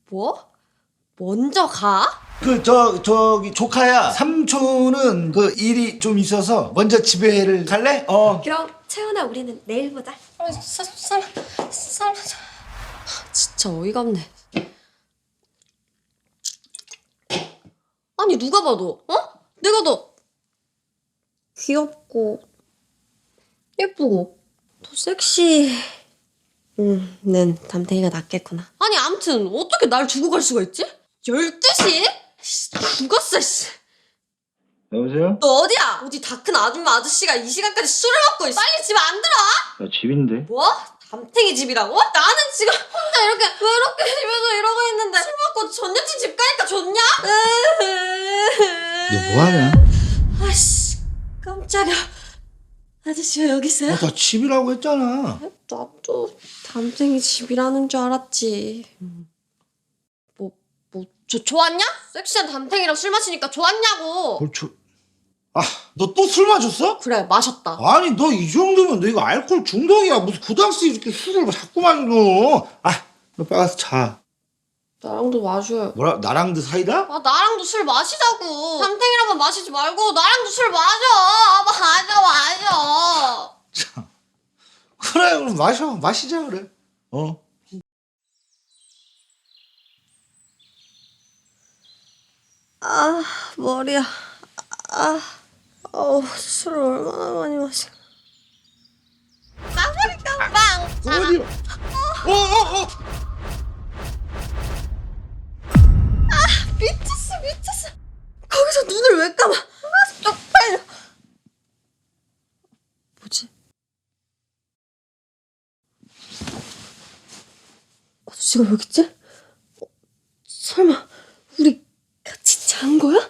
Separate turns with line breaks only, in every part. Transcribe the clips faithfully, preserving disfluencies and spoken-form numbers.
뭐? 먼저 가?
그 저 저기 조카야. 삼촌은 그 일이 좀 있어서 먼저 집에를 갈래? 어.
그럼 채원아 우리는 내일 보자. 아, 사, 사, 사, 사. 진짜 어이가 없네. 아니 누가 봐도 어? 내가 더 귀엽고 예쁘고 더 섹시. 음, 는 담탱이가 낫겠구나. 아니 암튼 어떻게 날 두고 갈 수가 있지? 열두 시? 씨, 죽었어 씨.
여보세요?
너 어디야? 어디 다 큰 아줌마 아저씨가 이 시간까지 술을 먹고 있어. 빨리 집에 안 들어와?
나 집인데.
뭐? 담탱이 집이라고? 나는 지금 혼자 이렇게 외롭게 집에서 이러고 있는데 술 먹고 전 여친 집 가니까 좋냐?
너 뭐하냐?
아씨 깜짝이야. 아저씨 왜 여기 있어요?
아, 나 집이라고 했잖아.
나도 담탱이 집이라는 줄 알았지. 뭐, 뭐, 저, 좋았냐? 섹시한 담탱이랑 술 마시니까 좋았냐고.
뭘 저... 아, 너 또 술 마셨어?
그래, 마셨다.
아니, 너 이 정도면 너 이거 알코올 중독이야. 무슨 고등학생이 이렇게 술을 자꾸 마셔, 너. 아, 너 빨리 가서 자.
나랑도 마셔요.
뭐라, 나랑도 사이다?
아, 나랑도 술 마시자고. 담탱이랑만 마시지 말고 나랑도 술 마셔. 아, 마셔, 마셔.
참. 그래, 그럼 마셔. 마시자, 그래. 어.
아, 머리야. 아, 어우, 술을 얼마나 많이 마시. 까불이 깜빵.
어디? 어, 어, 어.
미쳤어, 미쳤어. 거기서 눈을 왜 감아? 아, 쪽팔려. 뭐지? 아저씨가 여기 있지? 어, 설마 우리 같이 잔 거야?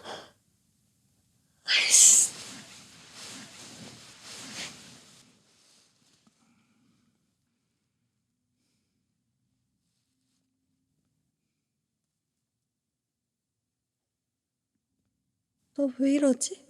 아이씨. 너 왜 이러지?